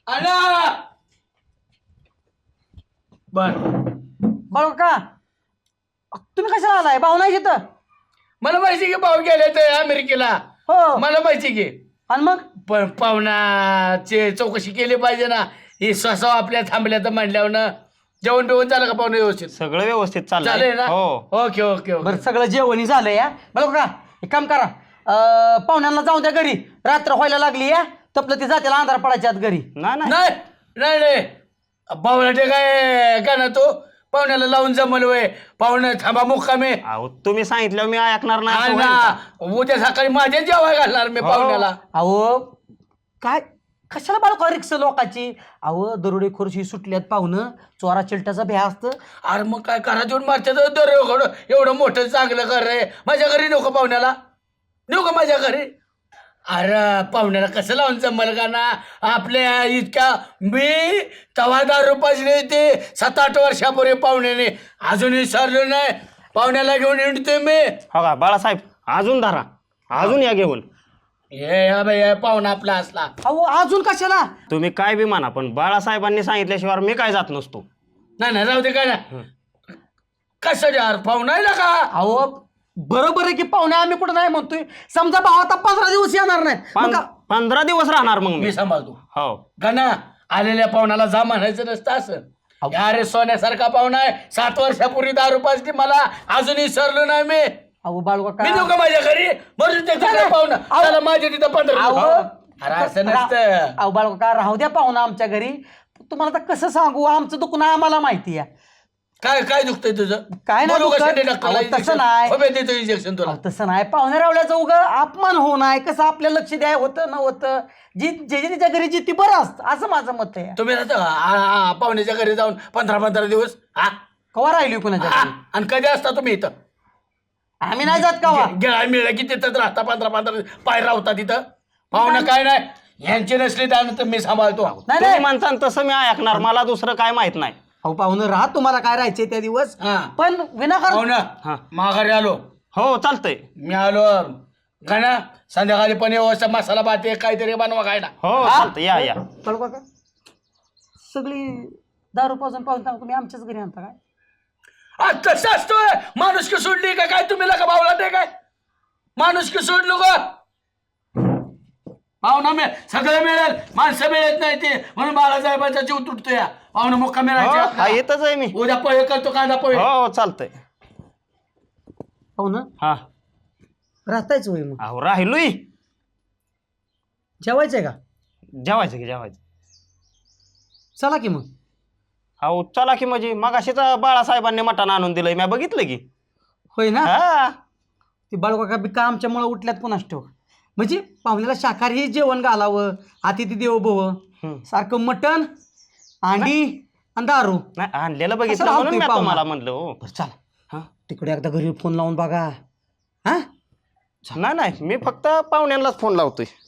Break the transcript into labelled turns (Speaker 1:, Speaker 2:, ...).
Speaker 1: आणा बर
Speaker 2: बरोबर का तुम्ही कशाला आलाय भाऊ नाही तिथं
Speaker 1: मला माहिती की भाऊ गेले ते अमेरिकेला
Speaker 2: हो
Speaker 1: मला माहिती की
Speaker 2: आणि मग
Speaker 1: पण पाहुणाचे चौकशी केली पाहिजे ना ही स्वसाव आपल्या थांबल्या तर म्हणल्यावर ना जेवण बिवण झालं का पाहुणे व्यवस्थित
Speaker 3: सगळं व्यवस्थित
Speaker 1: चालेल
Speaker 3: चाललंय
Speaker 1: ना
Speaker 3: हो
Speaker 1: ओके ओके ओके
Speaker 2: बरं सगळं जेवणी झालं या बरोबर का एक काम करा पाहुण्यांना जाऊन द्या घरी रात्र व्हायला लागली या तपलं ती जातेला अंधार पडायच्या आत घरी
Speaker 3: नाही नाही
Speaker 1: नाही नाही नाही पाहुण्याचे काय का ना तो पाहुण्याला लावून जमल वय पाहुणे थांबा मुक्कामे
Speaker 3: अहो तुम्ही सांगितलं मी ऐकणार नाही
Speaker 1: आणि
Speaker 3: असं होईल का?
Speaker 1: ना उद्या सकाळी माझ्या जेवाय घालणार मी
Speaker 3: हो.
Speaker 1: पाहुण्याला
Speaker 2: अहो काय कशाला बाळका रिक्स लोकाची अहो दरोडे खोरशी सुटल्यात पाहुणं चोरा चिलट्याचा भ्या असतं
Speaker 1: अरे मग काय करा देऊन मारच्या दर एवढं मोठं चांगलं कर रे माझ्या घरी नको पाहुण्याला नेऊ का माझ्या घरी अरे पाहुण्याला कसं लावून जमल का ना आपल्या इतक्या मी तवा 10 रुपयाचे ते 7-8 वर्षापूर्वी पाहुण्याने अजूनही सरलो नाही पाहुण्याला घेऊन येतोय मी
Speaker 3: हो का बाळासाहेब अजून धरा अजून या घेऊन
Speaker 1: हे पाहुणा आपला असला
Speaker 2: अहो अजून कशाला
Speaker 3: तुम्ही काय बी म्हणा पण बाळासाहेबांनी सांगितल्याशिवाय मी काय जात नसतो
Speaker 1: नाही राहू दे काय ना कसं यार पाहुणा आहे ना का
Speaker 2: अहो बरोबर आहे की पाहुणे आम्ही कुठं नाही म्हणतोय समजा भाव आता 15 दिवस येणार नाही मग का-
Speaker 3: 15 दिवस राहणार मग मी
Speaker 1: मी सांभाळतो
Speaker 3: हो
Speaker 1: गणा आलेल्या पाहुणाला जा म्हणायचं नसतं असं अरे सोन्यासारखा पाहुणा आहे 7 वर्षापूर्वी 10 रुपयाची मला अजूनही सरलो नाही मी
Speaker 2: अहो बाळका
Speaker 1: मी देऊ का माझ्या घरी म्हणून ते पाहुणा त्याला माझ्या तिथं 15 अरे असं नसतं
Speaker 2: अहो बाळका राहू द्या पाहुणा आमच्या घरी तुम्हाला आता कसं सांगू आमचं दुखणं आम्हाला माहिती आहे
Speaker 1: काय काय दुखतंय तुझं
Speaker 2: काय नाही
Speaker 1: बोलू का
Speaker 2: दुखत.
Speaker 1: शेंडे डॉक्टरला
Speaker 2: अहो, तसं
Speaker 1: injection?
Speaker 2: नाही.
Speaker 1: हो बे, देतो इंजेक्शन तुला
Speaker 2: अहो, तसं नाही पाहुणे रावल्याचं उगा अपमान होऊ नये कसं आपल्या लक्ष द्याय होतं न होतं जी जे तिच्या घरी जी ती बरं असतं असं माझं मत आहे
Speaker 1: तुम्ही राहता का पाहुण्याच्या घरी जाऊन 15 दिवस हा
Speaker 2: कवा राहिली कुणाच्या
Speaker 1: हा?
Speaker 2: घरी
Speaker 1: आणि कधी असता तुम्ही इथं
Speaker 2: आम्ही नाही जात कवा
Speaker 1: गेळा मिळला की तिथंच राहता 15 पाय राहता तिथं पाहुणं काय नाही यांची नसली त्यानंतर मी सांभाळतो
Speaker 2: नाही
Speaker 3: तुम्ही
Speaker 2: नाही
Speaker 3: म्हणता तसं मी ऐकणार मला दुसरं काय माहित नाही
Speaker 2: अहो पाहुणं राहा तुम्हाला काय राहायचे त्या दिवस
Speaker 1: हा.
Speaker 2: पण विनाकारण
Speaker 1: पाहुणं
Speaker 3: हा.
Speaker 1: माघारी आलो
Speaker 3: हो चालतंय
Speaker 1: मी आलो गाणं संध्याकाळी पण व्यवस्था मसाला भात काहीतरी बनवा खायला
Speaker 3: हो चालतंय या या
Speaker 2: कळू का सगळी दारू पाजून पाहून तुम्ही आमच्याच घरी आणता काय
Speaker 1: तसं असतोय माणूस की सोडली का काय तुम्ही का भावला ते काय माणूस की सोडलो का पाहुणा मिळेल सगळं मिळेल माणसं मिळत नाही ते म्हणून बाळासाहेबांचा जीव तुटतो या पाहुणा मुक्का
Speaker 3: हो, हा
Speaker 1: मिळायचा
Speaker 3: येतच आहे मी
Speaker 1: उद्या पोहे करतो कांदा पोहे
Speaker 3: हो चालतंय
Speaker 2: पाहुणं
Speaker 3: हा
Speaker 2: राहतायच होय मग
Speaker 3: अहो राहिलोय
Speaker 2: जेवायचंय का
Speaker 3: जेवायचं की जेवायचं
Speaker 2: चला की मग
Speaker 3: अहो चला की म्हणजे मगाशीच बाळासाहेबांनी मटण आणून दिलंय मी बघितलं की
Speaker 2: होय ना
Speaker 3: हा
Speaker 2: ती बाळकाका बिका आमच्यामुळे उठल्यात पुन्हा ठेव म्हणजे पाहुण्याला शाकाहारी जेवण घालावं अतिथी देवो भव सारखं मटण अंडी आणि दारू
Speaker 3: नाही आणलेलं
Speaker 2: कसं
Speaker 3: बघितलं
Speaker 2: राहतोय
Speaker 3: म्हणून मी
Speaker 2: पाहुणा?
Speaker 3: तुम्हाला म्हणलं हो
Speaker 2: बरं चला
Speaker 3: हा
Speaker 2: तिकडे एकदा घरी फोन लावून बघा हा
Speaker 3: नाही मी फक्त पाहुण्यांनाच फोन लावतोय